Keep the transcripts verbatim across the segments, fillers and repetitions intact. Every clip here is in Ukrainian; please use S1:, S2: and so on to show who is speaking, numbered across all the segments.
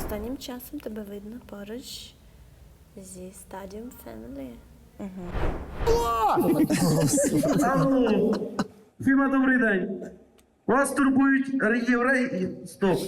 S1: Останнім часом тебе видно поруч зі Stadium Family.
S2: Алло! Фіма, добрий день. Вас турбують євреї... Стоп.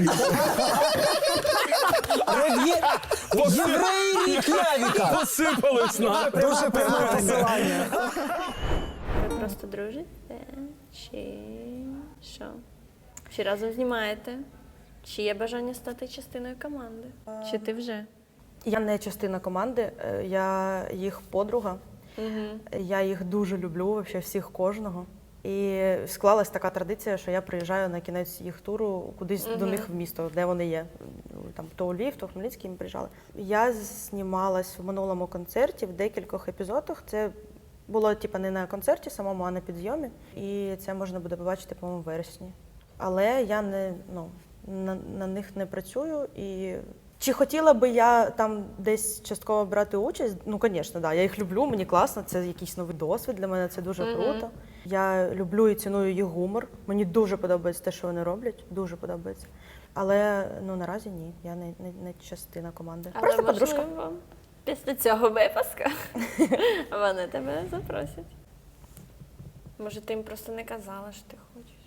S3: Євреї рік Явіка!
S4: Посипались на.
S3: Дуже пряме посилання.
S1: Ви просто дружите? Чи що? Чи разом знімаєте? Чи є бажання стати частиною команди? Чи ти вже?
S5: Я не частина команди, е, я їх подруга.
S1: Угу.
S5: Я їх дуже люблю, вообще всіх кожного. І склалась така традиція, що я приїжджаю на кінець їх туру кудись
S1: Мгм.
S5: до них в місто, де вони є. Там то у Львів, то в Хмельницький ми приїжджали. Я знімалась в минулому концерті в декількох епізодах. Це було типу, не на концерті самому, а на підйомі. І це можна буде побачити, по-моєму, в вересні. Але я не, ну, на, на них не працюю. І чи хотіла би я там десь частково брати участь? Ну, звісно, да. Я їх люблю, мені класно, це якийсь новий досвід для мене, це дуже
S1: Мгм.
S5: круто. Я люблю і ціную їх гумор. Мені дуже подобається те, що вони роблять, дуже подобається. Але ну наразі ні, я не, не, не частина команди.
S1: Але
S5: Просто подружка.
S1: можливо, після цього випуску вони тебе запросять. Може, ти їм просто не казала, що ти хочеш?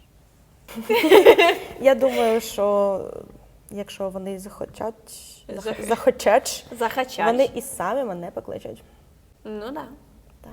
S5: Я думаю, що якщо вони захочуть,
S1: Зах-
S5: захочуть,
S1: Захачач.
S5: вони і самі мене покличуть.
S1: Ну так. Да.